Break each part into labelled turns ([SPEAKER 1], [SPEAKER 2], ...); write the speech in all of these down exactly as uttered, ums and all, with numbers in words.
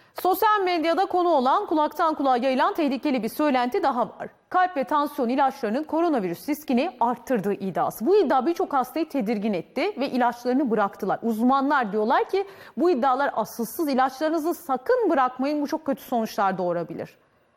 [SPEAKER 1] Sosyal medyada konu olan, kulaktan kulağa yayılan tehlikeli bir söylenti daha var. Kalp ve tansiyon ilaçlarının koronavirüs riskini arttırdığı iddiası. Bu iddia birçok hastayı tedirgin etti ve ilaçlarını bıraktılar. Uzmanlar diyorlar ki bu iddialar asılsız, ilaçlarınızı sakın bırakmayın, bu çok kötü sonuçlar doğurabilir.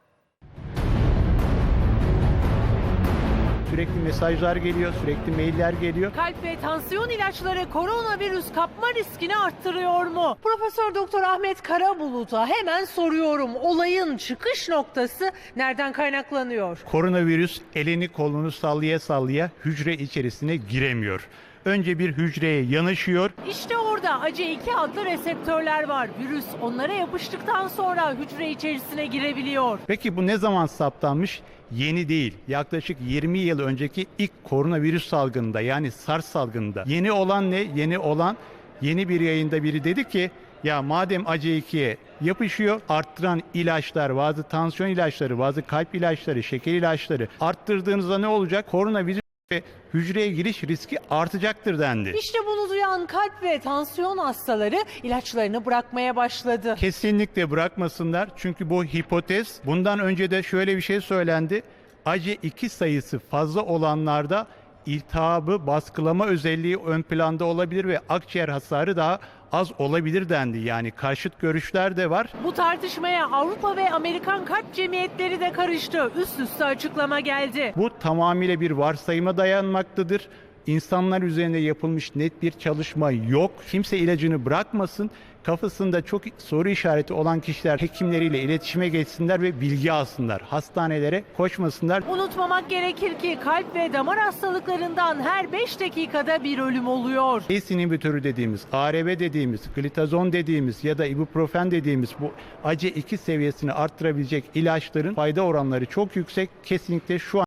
[SPEAKER 2] Sürekli mesajlar geliyor, sürekli mailler geliyor.
[SPEAKER 3] Kalp ve tansiyon ilaçları koronavirüs kapma riskini arttırıyor mu? Profesör Doktor Ahmet Karabulut'a hemen soruyorum. Olayın çıkış noktası nereden kaynaklanıyor?
[SPEAKER 2] Koronavirüs elini kolunu sallaya sallaya hücre içerisine giremiyor. Önce bir hücreye yanaşıyor.
[SPEAKER 3] İşte orada A C iki adlı reseptörler var. Virüs onlara yapıştıktan sonra hücre içerisine girebiliyor.
[SPEAKER 2] Peki bu ne zaman saptanmış? Yeni değil. Yaklaşık yirmi yıl önceki ilk koronavirüs salgınında, yani SARS salgınında. Yeni olan ne? Yeni olan yeni bir yayında biri dedi ki ya madem A C ikiye yapışıyor, arttıran ilaçlar, bazı tansiyon ilaçları, bazı kalp ilaçları, şeker ilaçları arttırdığınızda ne olacak? Koronavirüs ve hücreye giriş riski artacaktır dendi.
[SPEAKER 3] İşte bunu duyan kalp ve tansiyon hastaları ilaçlarını bırakmaya başladı.
[SPEAKER 2] Kesinlikle bırakmasınlar çünkü bu hipotez. Bundan önce de şöyle bir şey söylendi. A C iki sayısı fazla olanlarda iltihabı baskılama özelliği ön planda olabilir ve akciğer hasarı daha az olabilir dendi. Yani karşıt görüşler de var.
[SPEAKER 3] Bu tartışmaya Avrupa ve Amerikan kalp cemiyetleri de karıştı. Üst üste açıklama geldi.
[SPEAKER 2] Bu tamamıyla bir varsayıma dayanmaktadır. İnsanlar üzerinde yapılmış net bir çalışma yok. Kimse ilacını bırakmasın. Kafasında çok soru işareti olan kişiler hekimleriyle iletişime geçsinler ve bilgi alsınlar. Hastanelere koşmasınlar.
[SPEAKER 3] Unutmamak gerekir ki kalp ve damar hastalıklarından her beş dakikada bir ölüm oluyor.
[SPEAKER 2] ACE inhibitörü dediğimiz, A R B dediğimiz, glitazon dediğimiz ya da ibuprofen dediğimiz bu A C iki seviyesini arttırabilecek ilaçların fayda oranları çok yüksek. Kesinlikle şu an